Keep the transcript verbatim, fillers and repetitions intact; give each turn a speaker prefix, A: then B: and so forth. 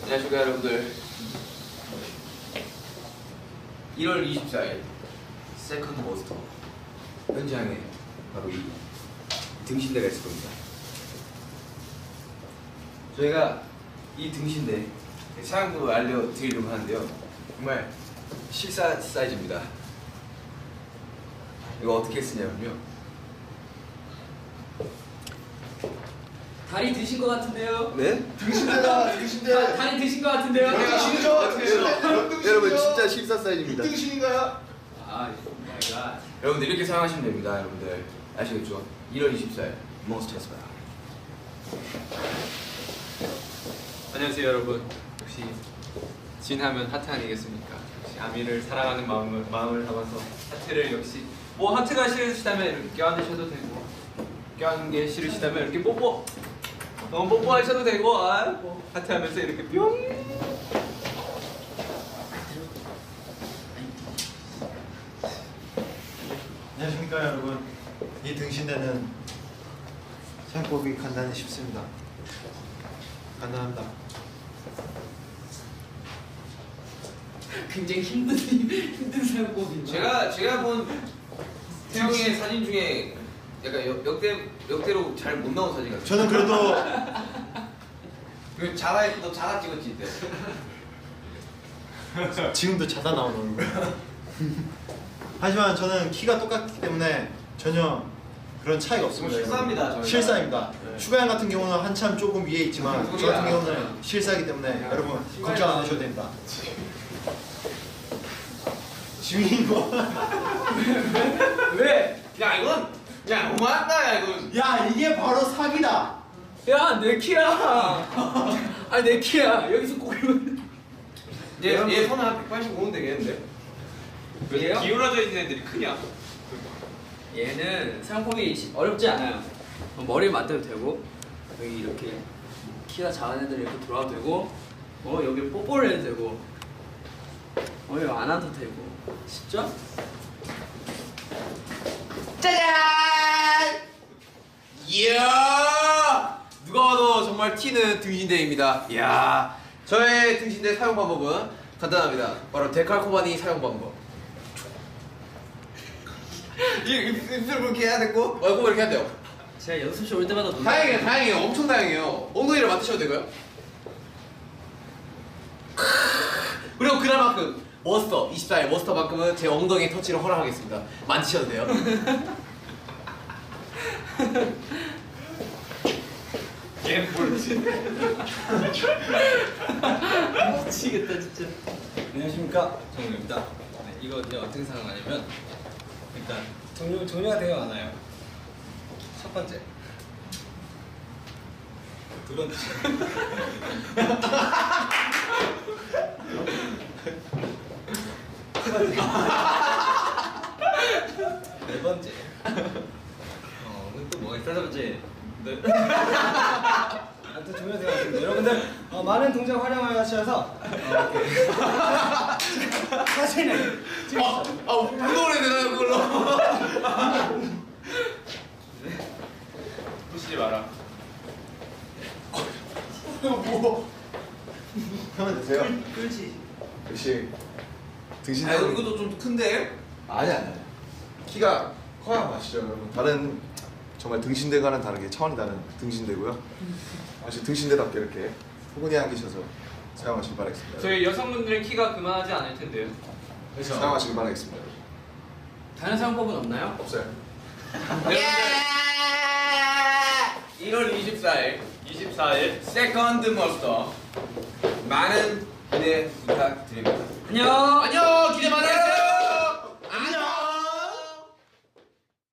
A: 안녕하십니까 여러분들. 일월 이십사일 세컨드 모스터 현장에 바로 이 등신대가 있을 겁니다. 저희가 이 등신대 사용법을 알려드리려고 하는데요, 정말 실사 사이즈입니다. 이거 어떻게 쓰냐면요,
B: 다리 드신 것 같은데요?
A: 네?
C: 등신대다, 등신대.
B: 다, 다리 드신 것 같은데요?
C: 등신이죠? 등신대.
A: 여러분 진짜 실사 사이즈입니다.
C: 등신인가요?
B: 아, 내가
A: 여러분들 이렇게 사용하시면 됩니다. 여러분들 아시겠죠? 일월 이십사일 몬스터스가.
D: 안녕하세요 여러분. 역시 진하면 하트 아니겠습니까? 역시 아미를 사랑하는 마음을, 마음을 담아서 하트를, 역시 뭐 하트가 싫으시다면 이렇게 껴안으셔도 되고, 껴안는 게 싫으시다면 이렇게 뽀뽀, 너무 뽀뽀하셔도 되고, 아, 뭐 하트 하면서 이렇게 뿅.
C: 안녕하십니까 여러분. 이 등신대는 사용법이 간단히 쉽습니다. 간단합니다.
B: 굉장히 힘든 힘든 사용법입니다.
A: 제가 제가 본 태영이의 사진 중에 약간 역, 역대 역대로 잘 못 나온 사진 같아요.
C: 저는 그래도
A: 그 자가 너 자가 찍었지 이때.
C: 지금도 자다 나오는 얼굴. 하지만 저는 키가 똑같기 때문에 전혀 그런 차이가 없습니다.
A: 실사입니다,
C: 여러분.
A: 저희가.
C: 실사입니다.
A: 네.
C: 슈가양 같은 경우는 한참 조금 위에 있지만 저 같은 경우는 실사이기 때문에 여러분 걱정 안 하셔도 됩니다. 지민이 뭐?
B: 왜?
A: 야 이건 야 너무한다 야 이건.
C: 야 이게 바로 사기다.
B: 야, 내 키야. 아니 내 키야. 여기서 꼬리면.
A: 얘얘 손은 한 백팔십오는 되겠는데?
D: 왜
B: 얘요?
D: 기울어져 있는 애들이 크냐?
B: 얘는 사용법이 어렵지 않아요. 머리를 맞대도 되고, 여기 이렇게 키가 작은 애들 이렇게 돌아도 되고, 어 여기 뽀뽀를 해도 되고, 어 이거 안 와도 되고, 쉽죠?
A: 짜잔! 이야! 누가 봐도 정말 튀는 등신대입니다. 이야! 저의 등신대 사용 방법은 간단합니다. 바로 데칼코바니 사용 방법. 이 입술 그렇게 해야 되고, 얼굴 이렇게 해야 돼요.
B: 제가 연습실 올 때마다 놀라요.
A: 다행이에요, 다행이에요. 엄청 다행이에요. 엉덩이를 맡으셔도 되고요. 그리고 그날만큼 머스터 이십사일 머스터만큼은 제 엉덩이 터치를 허락하겠습니다. 만지셔도 돼요.
D: 얘 뭘지?
B: 미치겠다 진짜.
E: 안녕하십니까, 정우입니다. 네, 이거 이제 어떻게 사용하냐면 일단 종류, 종류가 되게 많아요. 첫 번째, 두 번째, 세 번째, 네 번째. 어, 또 뭐가 있어? 다섯 번째. 네. 아무튼 종류가 되게 많습니다. 여러분들 어, 많은 동작 활용하셔서 어, 이렇게 사진을
A: 아, 아, 운동을 해야 되나요, 그걸로?
D: 부시지 마라.
C: 뭐? 하면 되세요.
B: 그렇지.
C: 역시 등신대.
A: 아, 이것도 좀 큰데?
C: 아니 아니. 키가 커야 맛이죠, 여러분. 다른 정말 등신대와는 다르게 차원이 다른 등신대고요. 역시 등신대답게 이렇게 포근히 안기셔서 사용하시길 바라겠습니다.
D: 저희 여성분들은 키가 그만하지 않을 텐데요.
C: 그래서 사용하시길 바라겠습니다.
B: 다른 사용법은 없나요?
C: 없어요.
A: 일월 이십사일
D: 이십사일
A: 세컨드 머스터 많은 기대 부탁드립니다.
B: 안녕.
A: 안녕, 기대 많아요.